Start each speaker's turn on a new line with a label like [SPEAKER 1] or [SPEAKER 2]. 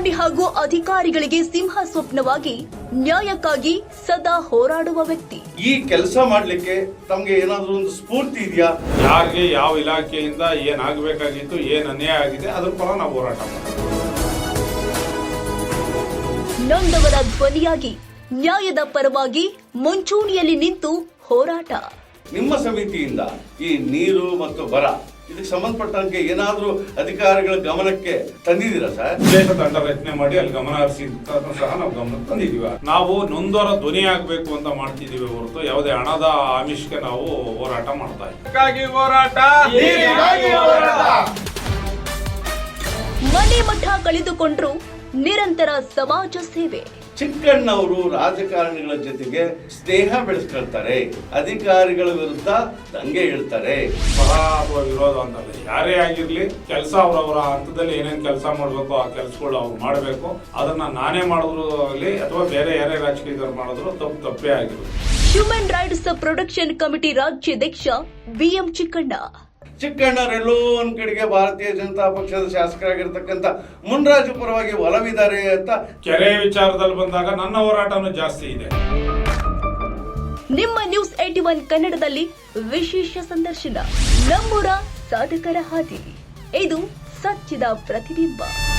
[SPEAKER 1] ಸಿಬ್ಬಂದಿ ಹಾಗೂ ಅಧಿಕಾರಿಗಳಿಗೆ ಸಿಂಹ ಸ್ವಪ್ನವಾಗಿ ನ್ಯಾಯಕ್ಕಾಗಿ ಸದಾ ಹೋರಾಡುವ ವ್ಯಕ್ತಿ.
[SPEAKER 2] ಈ ಕೆಲಸ ಮಾಡ್ಲಿಕ್ಕೆ ತಮ್ಗೆ ಏನಾದ್ರೂ ಒಂದು ಸ್ಫೂರ್ತಿ ಇದೆಯಾ?
[SPEAKER 3] ಯಾರಿಗೆ ಯಾವ ಇಲಾಖೆಯಿಂದ ಏನಾಗಬೇಕಾಗಿತ್ತು, ಏನ್ ಅನ್ಯಾಯ ಆಗಿದೆ ಅದ್ರ ಪರ ನಾವು ಹೋರಾಟ ಮಾಡ್ತೀವಿ.
[SPEAKER 1] ನೊಂದವರ ಧ್ವನಿಯಾಗಿ ನ್ಯಾಯದ ಪರವಾಗಿ ಮುಂಚೂಣಿಯಲ್ಲಿ ನಿಂತು ಹೋರಾಟ.
[SPEAKER 2] ನಿಮ್ಮ ಸಮಿತಿಯಿಂದ ಈ ನೀರು ಮತ್ತು ಬರ ಇದಕ್ಕೆ ಸಂಬಂಧಪಟ್ಟಂಗೆ ಏನಾದ್ರೂ ಅಧಿಕಾರಿಗಳ ಗಮನಕ್ಕೆ ತಂದಿದ್ದೀರಾ ಸರ್?
[SPEAKER 3] ವಿಶೇಷ ತಂಡ ರಚನೆ ಮಾಡಿ ಅಲ್ಲಿ ಗಮನ ಹರಿಸಿ ಸಹ ನಾವು ಗಮನಕ್ಕೆ ತಂದಿದ್ದೀವಿ. ನಾವು ನೊಂದವರ ಧ್ವನಿ ಆಗ್ಬೇಕು ಅಂತ ಮಾಡ್ತಿದೀವಿ ಹೊರತು ಯಾವುದೇ ಹಣದ ಆಮಿಷಕ್ಕೆ ನಾವು ಹೋರಾಟ ಮಾಡ್ತಾ ಇದ್ದೀವಿ.
[SPEAKER 1] ಮನೆ ಮಠ ಕಳೆದುಕೊಂಡ್ರು ನಿರಂತರ ಸಮಾಜ ಸೇವೆ.
[SPEAKER 2] ಚಿಕ್ಕಣ್ಣವರು ರಾಜಕಾರಣಿಗಳ ಜೊತೆಗೆ ಸ್ನೇಹ ಬೆಳೆಸ್ಕೊಳ್ತಾರೆ, ಅಧಿಕಾರಿಗಳ ವಿರುದ್ಧ ದಂಗೆ ಹೇಳ್ತಾರೆ.
[SPEAKER 3] ಪರ ಅಥವಾ ವಿರೋಧ ಅಂತಲ್ಲ, ಯಾರೇ ಆಗಿರ್ಲಿ ಕೆಲಸ ಅವರವರ ಹಂತದಲ್ಲಿ ಏನೇನ್ ಕೆಲಸ ಮಾಡ್ಬೇಕು ಆ ಕೆಲಸಗಳು ಅವ್ರು ಮಾಡಬೇಕು. ಅದನ್ನ ನಾನೇ ಮಾಡಿದ್ರು ಆಗಲಿ ಅಥವಾ ಬೇರೆ ಯಾರೇ ರಾಜಕೀಯದವ್ರು ಮಾಡಿದ್ರು ತಪ್ಪೇ ಆಗಿರೋದು.
[SPEAKER 1] ಹ್ಯೂಮನ್ ರೈಟ್ಸ್ ಪ್ರೊಟೆಕ್ಷನ್ ಕಮಿಟಿ ರಾಜ್ಯಾಧ್ಯಕ್ಷ BM
[SPEAKER 2] ಚಿಕ್ಕಣ್ಣರೆಲ್ಲೋ ಒಂದ್ ಕಡೆಗೆ ಭಾರತೀಯ ಜನತಾ ಪಕ್ಷದ ಶಾಸಕರಾಗಿರ್ತಕ್ಕಂಥ ಮುನ್ರಾಜು ಪರವಾಗಿ ಒಲವಿದ್ದಾರೆ ಅಂತ.
[SPEAKER 3] ಕೆರೆ ವಿಚಾರದಲ್ಲಿ ಬಂದಾಗ ನನ್ನ ಹೋರಾಟನೂ ಜಾಸ್ತಿ ಇದೆ.
[SPEAKER 1] ನಿಮ್ಮ ನ್ಯೂಸ್ 81 ಕನ್ನಡದಲ್ಲಿ ವಿಶೇಷ ಸಂದರ್ಶನ. ನಮ್ಮೂರ ಸಾಧಕರ ಹಾದಿ, ಇದು ಸತ್ಯದ ಪ್ರತಿಬಿಂಬ.